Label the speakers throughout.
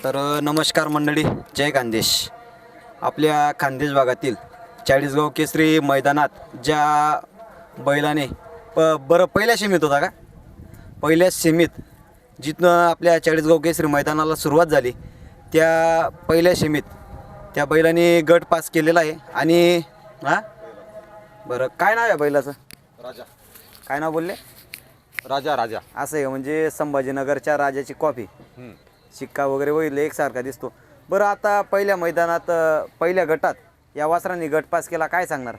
Speaker 1: नमस्कार मंडळी, जय खानदेश. आपल्या खानदेश भागातील चाळीसगाव केसरी मैदानात ज्या बैलाने बरं पहिल्या सेमीत होता का, पहिल्या सेमीत जिथनं आपल्या चाळीसगाव केसरी मैदानाला सुरुवात झाली त्या पहिल्या सेमीत त्या बैलाने गट पास केलेला आहे. आणि बरं काय नाव आहे बैलाचं?
Speaker 2: राजा.
Speaker 1: काय नाव बोलले?
Speaker 2: राजा. राजा
Speaker 1: असं आहे म्हणजे संभाजीनगरच्या राजाची कॉपी. शिक्का वगैरे होईल एकसारखा दिसतो. बरं आता पहिल्या मैदानात पहिल्या गटात या वासरांनी गट पास केला, काय सांगणार?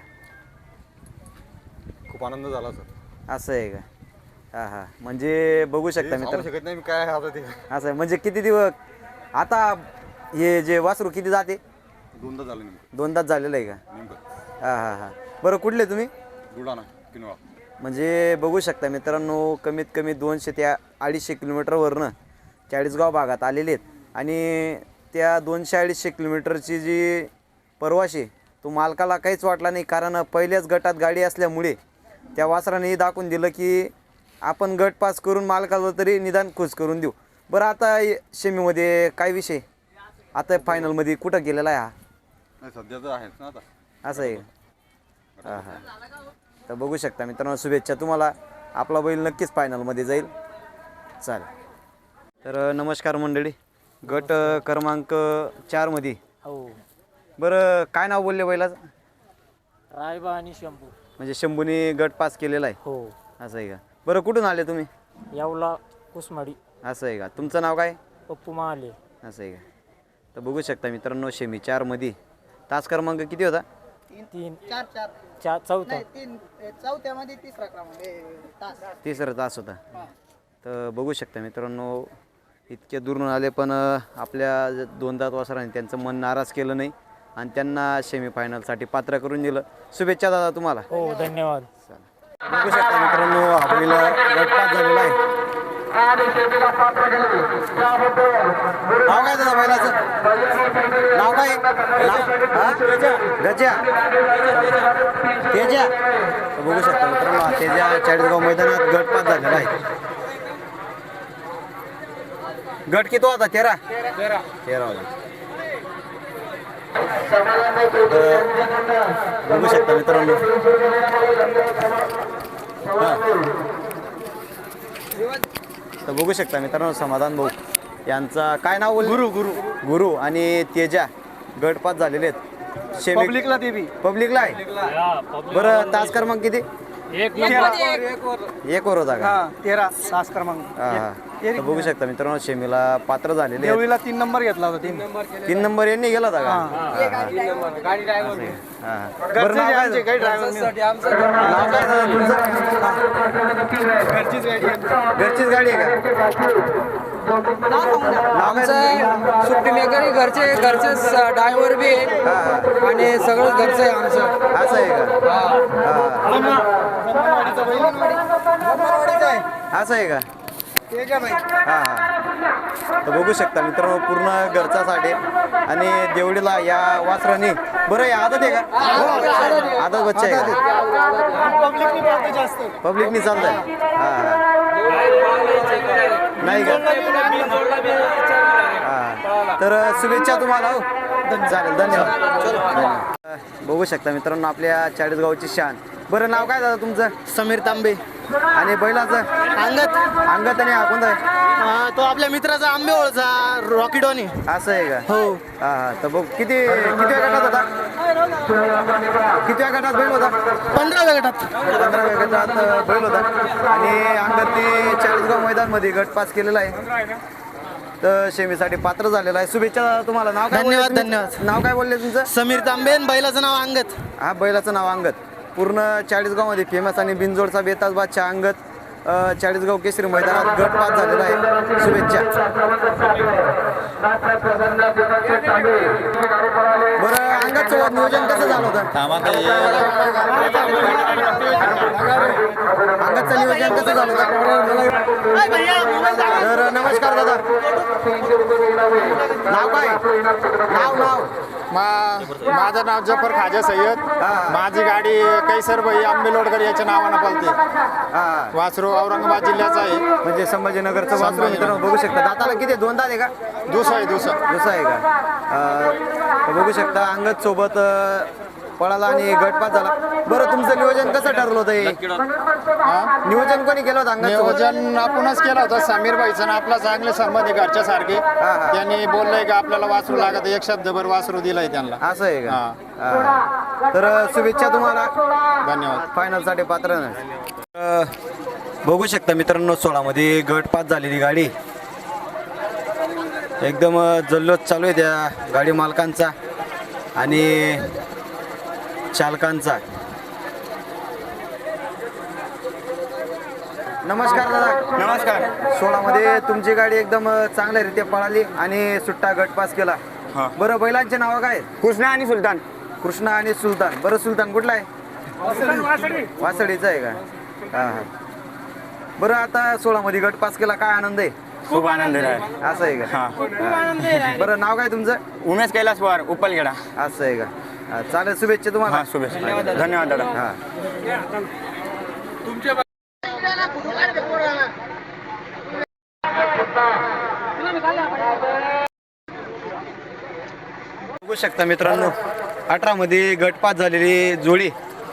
Speaker 2: खूप आनंद झाला सर.
Speaker 1: असं आहे का? हां हां, म्हणजे बघू शकता
Speaker 2: सांगू शकत नाही मी काय आता ते.
Speaker 1: असं आहे म्हणजे किती दिवस आता हे जे वासरू किती जाते?
Speaker 2: दोनदा झालं नेमकं.
Speaker 1: दोनदाच झालेलं आहे का?
Speaker 2: नेमकं
Speaker 1: हां हां हां. बरं कुठले तुम्ही?
Speaker 2: बुलढाणा किनवा.
Speaker 1: म्हणजे बघू शकता मित्रांनो, कमीत कमी 200 ते 250 किलोमीटरवरनं चाळीसगाव भागात आलेले आहेत. आणि त्या 200-250 किलोमीटरची जी प्रवासी तो मालकाला काहीच वाटला नाही, कारण पहिल्याच गटात गाडी असल्यामुळे त्या वासराने दाखवून दिलं की आपण गट पास करून मालकाला तरी निदान खुश करून देऊ. बरं आता सेमीमध्ये काय विषय, आता फायनलमध्ये कुठं गेलेला आहे हा?
Speaker 2: नाही सध्या तर आहेच ना आता.
Speaker 1: असं आहे. हां हां. तर बघू शकता मित्रांनो, शुभेच्छा तुम्हाला. आपला बैल नक्कीच फायनलमध्ये जाईल. चालेल. तर नमस्कार मंडळी, गट क्रमांक 4 मध्ये.
Speaker 3: हो,
Speaker 1: बरं काय नाव बोलले बैलाचं?
Speaker 3: रायबा आणि शंभू.
Speaker 1: म्हणजे शंभूने गट पास केलेला आहे.
Speaker 3: हो,
Speaker 1: असं आहे का? बरं कुठून आले तुम्ही?
Speaker 3: यावला कुसमाडी.
Speaker 1: असं आहे का? तुमचं नाव काय?
Speaker 3: पप्पू महाले.
Speaker 1: असं आहे का? तर बघू शकता मित्रांनो, सेमी 4 मध्ये तास क्रमांक किती होता?
Speaker 3: 3
Speaker 4: 4
Speaker 3: चौथा.
Speaker 4: 3 चौथ्यामध्ये तिसरा क्रमांक तास.
Speaker 1: तिसरा तास होता. तर बघू शकता मित्रांनो, इतके दूरून आले पण आपल्या 2 दात वासरांनी त्यांचं मन नाराज केलं नाही आणि त्यांना सेमीफायनलसाठी पात्र करून दिलं. शुभेच्छा दादा तुम्हाला.
Speaker 3: हो, धन्यवाद.
Speaker 1: बघू शकता मित्रांनो, आपल्याला गट पास झालेला आहे. नाव काय दादा बैलाचं? नाव काय? गजा. तेजा. तर बघू शकता मित्रांनो, तेजा चाळीसगाव मैदानात गट पास झालेला आहे. गट किती होता? 13 होता. बघू शकता मित्रांनो, तर बघू शकता मित्रांनो, समाधान भाऊ यांचा काय नाव बोलले? गुरु आणि तेजा गट पास झालेले आहेत.
Speaker 4: पब्लिकला देवी.
Speaker 1: पब्लिकला आहे. बरं तास क्रमांक किती?
Speaker 3: 1
Speaker 1: एक वर होता का?
Speaker 4: 13 तास क्रमांक.
Speaker 1: हां हां. तर बघू शकता मित्रांनो, सेमीला पात्र झालेले आहेत.
Speaker 4: देवीला 3 नंबर घेतला होता.
Speaker 1: 3 नंबर यांनी गेला होता का?
Speaker 4: गाडी ड्रायव्हर.
Speaker 1: हां. बरं नाव काय?
Speaker 4: काही ड्रायव्हर
Speaker 1: नाव काय दादा तुमचं?
Speaker 4: घरचीच गाडी.
Speaker 1: घरचीच गाडी आहे का? नाव काय?
Speaker 5: सुट्टी मेकरी घरचे ड्रायव्हर बी आहे आणि सगळं घरचं आहे आमचं.
Speaker 1: असं आहे का? असं आहे का? हां हां. तर बघू शकता मित्रांनो, पूर्ण घरचासाठी आणि देवडीला या वासराने. बरं या आदत आहे का? आदत बच्चा आहे का? पब्लिकनी चालतंय. हां हां. नाही का? हां. तर शुभेच्छा तुम्हाला. हो चालेल, धन्यवाद. बघू शकता मित्रांनो, आपल्या चाळीसगावची शान. बरं नाव काय दादा तुमचं?
Speaker 4: समीर तांबे.
Speaker 1: आणि बैलाचं?
Speaker 4: अंगत.
Speaker 1: अंगत. आणि कोणता आहे?
Speaker 4: तो आपल्या मित्राचा आंबेओळचा रॉकीडॉनी.
Speaker 1: असं आहे का?
Speaker 4: हो.
Speaker 1: हां हां. तर बघ किती गटात होता? किती गटात बैल होता?
Speaker 4: 15व्या गटात.
Speaker 1: 15व्या गटात बैल होता. आणि अंगतने चाळीसगाव मैदानमध्ये गट पास केलेला आहे. तर सेमीसाठी पात्र झालेला आहे. शुभेच्छा तुम्हाला. नाव काय?
Speaker 4: धन्यवाद,
Speaker 1: बोलले
Speaker 4: धन्यवाद.
Speaker 1: तुम्ही? नाव काय बोलले तुमचं?
Speaker 4: समीर तांबे आणि बैलाचं नाव अंगत.
Speaker 1: हा बैलाचं नाव अंगत. पूर्ण चाळीसगावमध्ये फेमस आणि बिनजोडचा बेताज बादशाह अंगत चाळीसगाव केसरी मैदानात गट पास झालेला आहे. शुभेच्छा. बरं अंगतचं नियोजन कसं झालं होतं? अंगतचं नियोजन कसं झालं होतं? तर नमस्कार दादा, नाव काय? नाव
Speaker 6: माझं नाव जफर खाजा सय्यद. माझी गाडी कैसर भाई आंबेलोडकर याच्या नावानं पळते.
Speaker 1: हा
Speaker 6: वासरू औरंगाबाद जिल्ह्याचा आहे.
Speaker 1: म्हणजे संभाजीनगरचं वासरू मित्रांनो बघू शकता. दाताला किती दोन दात आहे का?
Speaker 6: दुसरा आहे दुसरा.
Speaker 1: दुसरा आहे का? तर बघू शकता अंगद सोबत पळाला आणि गटपात झाला. बरं तुमचं नियोजन कसं ठरलं होतं हे? नियोजन कोणी केलं होतं अंगद सोबत?
Speaker 6: नियोजन आपणच केलं होतं. समीर भाईचं आणि आपला चांगले संबंध आहे घरच्या सारखे. त्यांनी बोललंय की आपल्याला वासरू लागत, एक शब्दभर वासरू दिलंय त्यांना.
Speaker 1: असं आहे का? हा. तर शुभेच्छा तुम्हाला.
Speaker 6: धन्यवाद.
Speaker 1: फायनलसाठी पात्र नाही. बघू शकता मित्रांनो 16 मध्ये गटपात झालेली गाडी. एकदम जल्लोष चालू आहे त्या गाडी मालकांचा आणि चालकांचा. नमस्कार दादा.
Speaker 6: नमस्कार.
Speaker 1: 16 मध्ये तुमची गाडी एकदम चांगल्यारीत्या पळाली आणि सुट्टा गटपास केला. बरं बैलांचे नाव काय आहेत?
Speaker 6: कृष्णा आणि सुलतान.
Speaker 1: कृष्णा आणि सुलतान. बरं सुलतान कुठला आहे? वासडीचा आहे का? हां हां. बरं आता 16 मध्ये गट पास केला, काय आनंद आहे?
Speaker 6: खूप आनंद आहे.
Speaker 1: असं आहे का? हां. बरं नाव काय तुमचं?
Speaker 6: उमेश कैलास पवार उपलगेडा.
Speaker 1: असं आहे का? हां, चालेल. शुभेच्छा तुम्हाला.
Speaker 6: शुभेच्छा. धन्यवाद दादा.
Speaker 1: हां. बघू शकता मित्रांनो 18 मध्ये गटपात झालेली जोडी.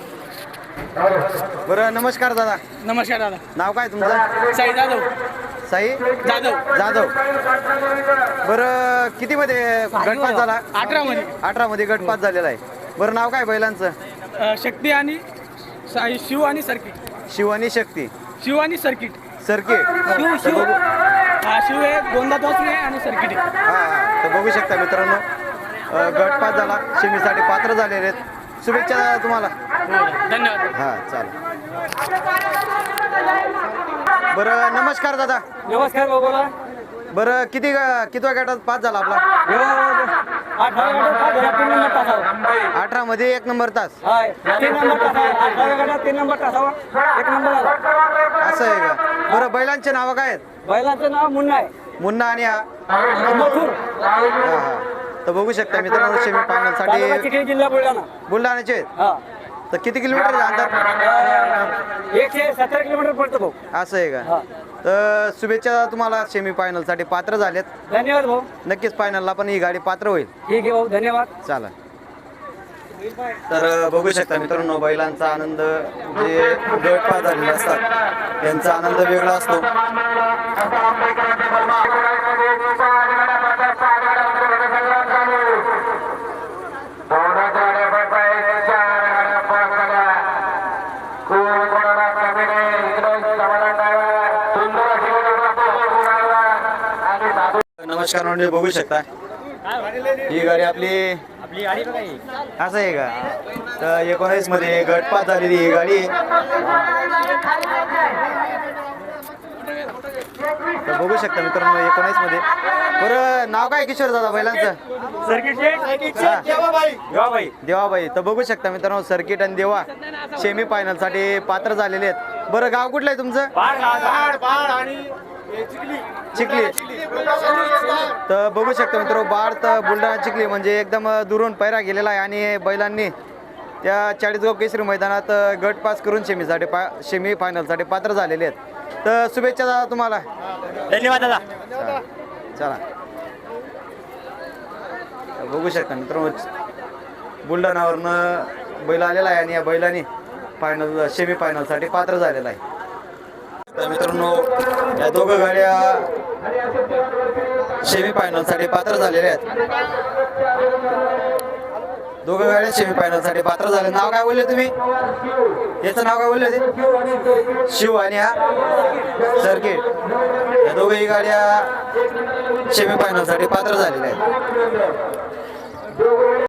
Speaker 1: बरं नमस्कार दादा.
Speaker 4: नमस्कार दादा.
Speaker 1: नाव काय तुमचं?
Speaker 4: साई जाधव.
Speaker 1: साई
Speaker 4: जाधव.
Speaker 1: जाधव. बरं किती मध्ये गटपात झाला?
Speaker 4: 18 मध्ये.
Speaker 1: 18 मध्ये गटपात झालेला आहे. बरं नाव काय बैलांचं?
Speaker 4: शक्ती आणि शिव आणि सर्किट.
Speaker 1: शिव आणि शक्ती.
Speaker 4: शिव आणि सर्किट.
Speaker 1: सर्किट.
Speaker 4: शिव शिव हे दोनदा वासरू आहे आणि सर्किट आहे.
Speaker 1: हा हा. तर बघू शकता मित्रांनो गटपात झाला, सेमीसाठी पात्र झालेले आहेत. शुभेच्छा दादा तुम्हाला.
Speaker 4: धन्यवाद.
Speaker 1: हा चालेल. बरं नमस्कार दादा.
Speaker 3: नमस्कार भाऊ, बोला.
Speaker 1: बरं कितव्या गटात पास झाला आपला? 18 मध्ये 1 नंबर तास.
Speaker 3: 3 नंबर तास आहे. 18 गटात 3 नंबर तासावा 1 नंबर आला.
Speaker 1: असं आहे का? बरं बैलांचे नावं काय आहेत?
Speaker 3: बैलाचं नाव मुन्ना आहे.
Speaker 1: मुन्ना आणि हा?
Speaker 3: मथुर.
Speaker 1: हा हा. तर बघू शकता मित्रांनो सेमी फायनल
Speaker 3: तालुका
Speaker 1: साठी
Speaker 3: चिखली, जिल्हा बुलढाणा.
Speaker 1: बुलढाण्याचे आहेत.
Speaker 3: हा.
Speaker 1: तर किती किलोमीटर अंतर?
Speaker 3: 170 किलोमीटर पडतो भाऊ.
Speaker 1: असं आहे का?
Speaker 3: हा.
Speaker 1: तर शुभेच्छा तुम्हाला. सेमी फायनल साठी पात्र झालेत.
Speaker 3: धन्यवाद भाऊ.
Speaker 1: नक्कीच फायनलला पण ही गाडी पात्र होईल.
Speaker 3: ठीक आहे भाऊ, धन्यवाद.
Speaker 1: चला. तर बघू शकता मित्रांनो बैलांचा आनंद जे गटपात झालेले असतात त्यांचा आनंद वेगळा असतो. नमस्कार म्हणजे बघू शकता ही गाडी आपली असं आहे का? तर 19 मध्ये गटपात झालेली ही गाडी. तर बघू शकता मित्रांनो 19 मध्ये. बरं नाव काय किशोर दादा बैलांचं? देवाबाई. तर बघू शकता मित्रांनो सर्किट आणि देवा सेमी फायनल साठी पात्र झालेले आहेत. बरं गाव कुठलं आहे तुमचं? चिखली. तर बघू शकता मित्र बाड तर बुलढाणा चिखली म्हणजे एकदम दुरून पैरा गेलेला आहे आणि बैलांनी त्या 40 केसरी मैदानात गट पास करून सेमी फायनलसाठी पात्र झालेले आहेत. तर शुभेच्छा दादा तुम्हाला.
Speaker 3: धन्यवाद दादा.
Speaker 1: चला. बघू शकता मित्रांनो बुलढाणावरनं बैल आलेला आहे आणि या बैलांनी सेमी फायनलसाठी पात्र झालेला आहे. तर मित्रांनो या दोघं गाड्या सेमी फायनलसाठी पात्र झालेल्या आहेत. दोघं गाड्या सेमी फायनलसाठी पात्र झाले. नाव काय बोलले तुम्ही? याचं नाव काय बोलले ते? शिव आणि हा सर्किट. या दोघंही गाड्या सेमी फायनलसाठी पात्र झालेल्या आहेत.